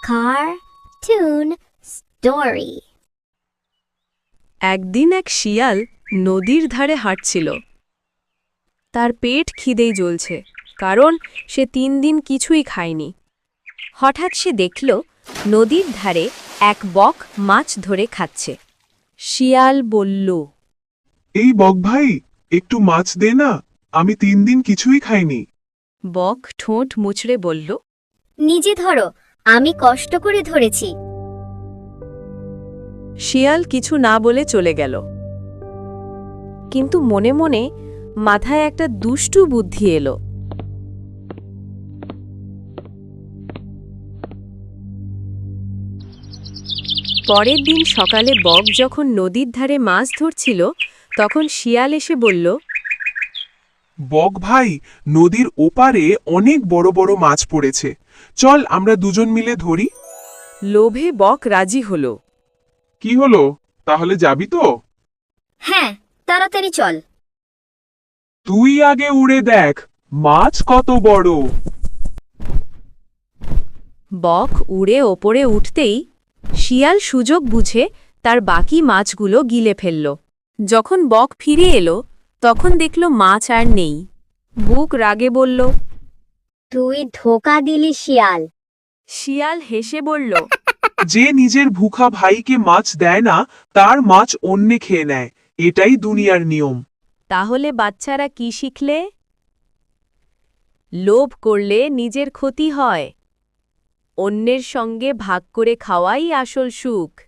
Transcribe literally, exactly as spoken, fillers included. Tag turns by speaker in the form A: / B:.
A: Cartoon Story.
B: একদিন এক শিয়াল নদীর ধারে হাঁটছিল। তার পেট খিদেই জ্বলছে, কারণ সে তিন দিন কিছুই খায়নি। হঠাৎ সে দেখল নদীর ধারে এক বক মাছ ধরে খাচ্ছে। শিয়াল বলল,
C: এই বক ভাই, একটু মাছ দে না, আমি তিন দিন কিছুই খাইনি।
B: বক ঠোঁট মুচড়ে বলল,
A: নিজে ধরো, আমি কষ্ট করে ধরেছি।
B: শিয়াল কিছু না বলে চলে গেল। কিন্তু মনে মনে মাথায় একটা দুষ্টু বুদ্ধি এলো। পরের দিন সকালে বক যখন নদীর ধারে মাছ ধরছিল, তখন শিয়াল এসে বলল,
C: বক ভাই, নদীর ওপারে অনেক বড় বড় মাছ পড়েছে, চল আমরা দুজন মিলে ধরি।
B: লোভে বক রাজি হল।
C: কি হলো, তাহলে যাবি তো?
A: হ্যাঁ, তাড়াতাড়ি চল।
C: তুই আগে উড়ে দেখ, মাছ কত বড়।
B: বক উড়ে ওপরে উঠতেই শিয়াল সুযোগ বুঝে তার বাকি মাছগুলো গিলে ফেলল। যখন বক ফিরে এলো, তখন দেখল মাছ আর নেই। বুক রাগে বলল,
A: তুই ধোকা দিলি শিয়াল।
B: শিয়াল হেসে বলল,
C: যে নিজের ভুখা ভাইকে মাছ দেয় না, তার মাছ অন্যে খেয়ে নেয়, এটাই দুনিয়ার নিয়ম।
B: তাহলে বাচ্চারা কি শিখলে? লোভ করলে নিজের ক্ষতি হয়। অন্যের সঙ্গে ভাগ করে খাওয়াই আসল সুখ।